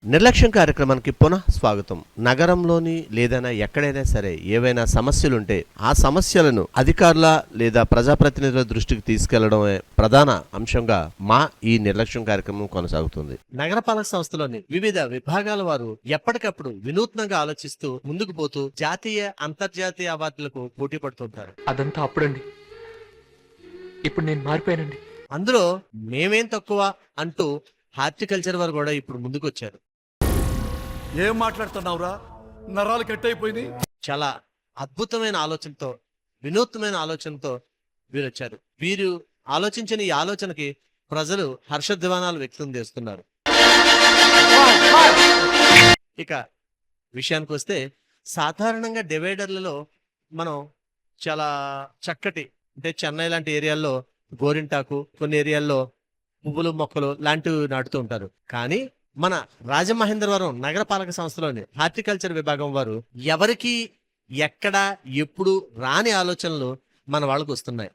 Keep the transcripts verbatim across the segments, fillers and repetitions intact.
నిర్లక్ష్యం కార్యక్రమానికి పునః స్వాగతం. నగరంలోని లేదైనా ఎక్కడైనా సరే ఏవైనా సమస్యలుంటే ఆ సమస్యలను అధికారుల లేదా ప్రజాప్రతినిధుల దృష్టికి తీసుకెళ్లడమే ప్రధాన అంశంగా మా ఈ నిర్లక్ష్యం కార్యక్రమం కొనసాగుతుంది. నగరపాలక సంస్థలోని వివిధ విభాగాల వారు ఎప్పటికప్పుడు వినూత్నంగా ఆలోచిస్తూ ముందుకు పోతూ జాతీయ అంతర్జాతీయ అవార్డులకు పోటీ పడుతుంటారు. అదంతా అప్పుడండి, ఇప్పుడు నేను మారిపోయానండి. అందులో మేమేం తక్కువ అంటూ హార్టికల్చర్ వారు కూడా ఇప్పుడు ముందుకు వచ్చారు. ఏం మాట్లాడుతున్నావురా, నరాలు కట్ అయిపోయింది. చాలా అద్భుతమైన ఆలోచనతో, వినూత్నమైన ఆలోచనతో వీరు వచ్చారు. వీరు ఆలోచించిన ఈ ఆలోచనకి ప్రజలు హర్షధ్వానాలు వ్యక్తం చేస్తున్నారు. ఇక విషయానికి వస్తే, సాధారణంగా డివైడర్లలో మనం చాలా చక్కటి, అంటే చెన్నై లాంటి ఏరియాల్లో గోరింటాకు, కొన్ని ఏరియాల్లో పువ్వులు మొక్కలు లాంటివి నాటుతూ ఉంటారు. కానీ మన రాజమహేంద్రవరం నగరపాలక సంస్థలోని హార్టికల్చర్ విభాగం వారు ఎవరికి ఎక్కడ ఎప్పుడు రాని ఆలోచనలు మన వాళ్ళకు వస్తున్నాయి.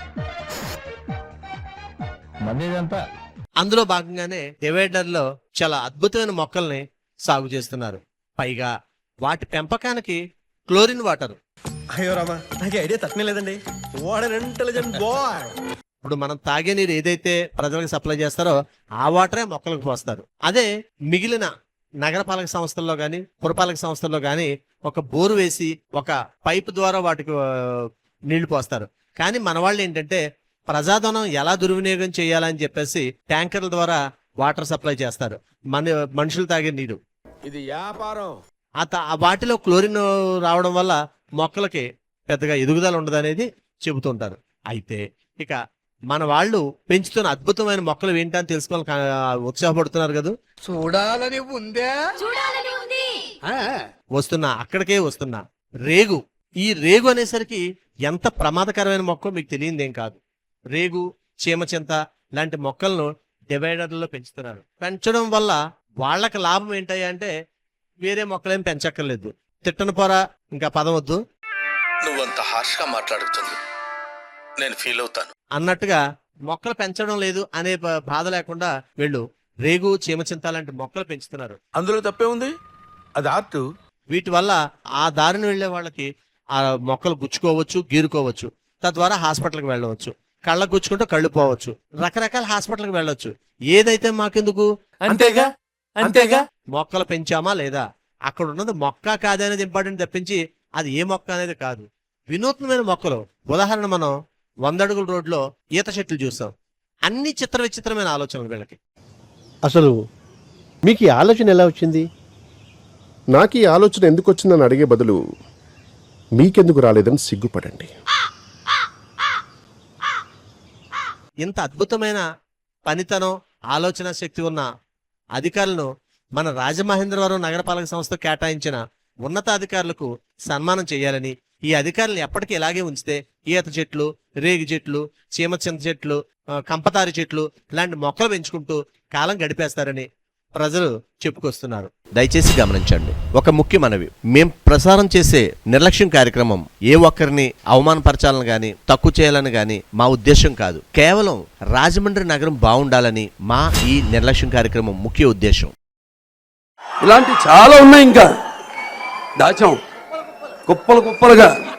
అందులో భాగంగానే డివైడర్ లో చాలా అద్భుతమైన మొక్కల్ని సాగు చేస్తున్నారు. పైగా వాటి పెంపకానికి క్లోరిన్ వాటర్. అయ్యో రామా, నాకు ఐడియా తక్కువ లేదండి. What an intelligent boy. ఇప్పుడు మనం తాగే నీరు ఏదైతే ప్రజలకు సప్లై చేస్తారో ఆ వాటరే మొక్కలకు పోస్తారు. అదే మిగిలిన నగరపాలక సంస్థల్లో గాని పురపాలక సంస్థల్లో గాని ఒక బోరు వేసి ఒక పైపు ద్వారా వాటికి నీళ్లు పోస్తారు. కానీ మన వాళ్ళు ఏంటంటే ప్రజాధనం ఎలా దుర్వినియోగం చేయాలని చెప్పేసి ట్యాంకర్ల ద్వారా వాటర్ సప్లై చేస్తారు. మన మనుషులు తాగే నీరు ఇది వ్యాపారం. ఆ వాటిలో క్లోరిన్ రావడం వల్ల మొక్కలకి పెద్దగా ఎదుగుదల ఉండదనేది చెబుతుంటారు. అయితే ఇక మన వాళ్ళు పెంచుతున్న అద్భుతమైన మొక్కలు ఏంటని తెలుసుకోవాలని ఉత్సాహపడుతున్నారు కదా. చూడాలని ఉందే, చూడాలని ఉంది. వస్తున్నా అక్కడికే వస్తున్నా. రేగు. ఈ రేగు అనేసరికి ఎంత ప్రమాదకరమైన మొక్క మీకు తెలియదేం కాదు. రేగు, చీమచింత లాంటి మొక్కలను డివైడర్లలో పెంచుతున్నారు. పెంచడం వల్ల వాళ్ళకి లాభం ఏంటయ్యా అంటే వేరే మొక్కలేం పెంచక్కర్లేదు. తిట్టన పోరా, ఇంకా పదం వద్దు, నువ్వంత హార్ష్ గా మాట్లాడుతుంది నేను ఫీల్ అవుతాను అన్నట్టుగా మొక్కలు పెంచడం లేదు అనే బాధ లేకుండా వీళ్ళు రేగు, చీమచింత లాంటి మొక్కలు పెంచుతున్నారు. అందులో తప్పే ఉంది, అది ఆర్ట్. వీటి వల్ల ఆ దారిని వెళ్లే వాళ్ళకి ఆ మొక్కలు గుచ్చుకోవచ్చు, గీరుకోవచ్చు. తద్వారా హాస్పిటల్కి వెళ్ళవచ్చు. కళ్ళకు గుచ్చుకుంటూ కళ్ళు పోవచ్చు. రకరకాల హాస్పిటల్కి వెళ్ళొచ్చు. ఏదైతే మాకెందుకు, అంతేగా అంతేగా మొక్కలు పెంచామా లేదా, అక్కడ ఉన్నది మొక్క కాదనేది ఇంపార్టెంట్ తప్పించి అది ఏ మొక్క అనేది కాదు. వినూత్నమైన మొక్కలు, ఉదాహరణ మనం వంద అడుగుల రోడ్లో ఈత చెట్లు చూస్తాం. అన్ని చిత్ర విచిత్రమైన ఆలోచనలు వీళ్ళకి. అసలు మీకు ఈ ఆలోచన ఎలా వచ్చింది? నాకు ఈ ఆలోచన ఎందుకు వచ్చిందని అడిగే బదులు మీకెందుకు రాలేదని సిగ్గుపడండి. ఇంత అద్భుతమైన పనితనం, ఆలోచన శక్తి ఉన్న అధికారులను మన రాజమహేంద్రవరం నగరపాలక సంస్థ కేటాయించిన ఉన్నతాధికారులకు సన్మానం చేయాలని, ఈ అధికారులను ఎప్పటికీ ఇలాగే ఉంచితే ఈత చెట్లు, రేగి చెట్లు, చీమచింత చెట్లు, కంపతారి చెట్లు లాంటి మొక్కలు పెంచుకుంటూ కాలం గడిపేస్తారని ప్రజలు చెప్పుకొస్తున్నారు. దయచేసి గమనించండి. ఒక ముఖ్య మనవి, మేం ప్రసారం చేసే నిర్లక్ష్యం కార్యక్రమం ఏ ఒక్కరిని అవమానపరచాలని గాని తక్కువ చేయాలని గాని మా ఉద్దేశం కాదు. కేవలం రాజమండ్రి నగరం బాగుండాలని మా ఈ నిర్లక్ష్యం కార్యక్రమం ముఖ్య ఉద్దేశం. ఇలాంటి చాలా ఉన్నాయి, ఇంకా దాచాం కుప్పలు కుప్పలుగా.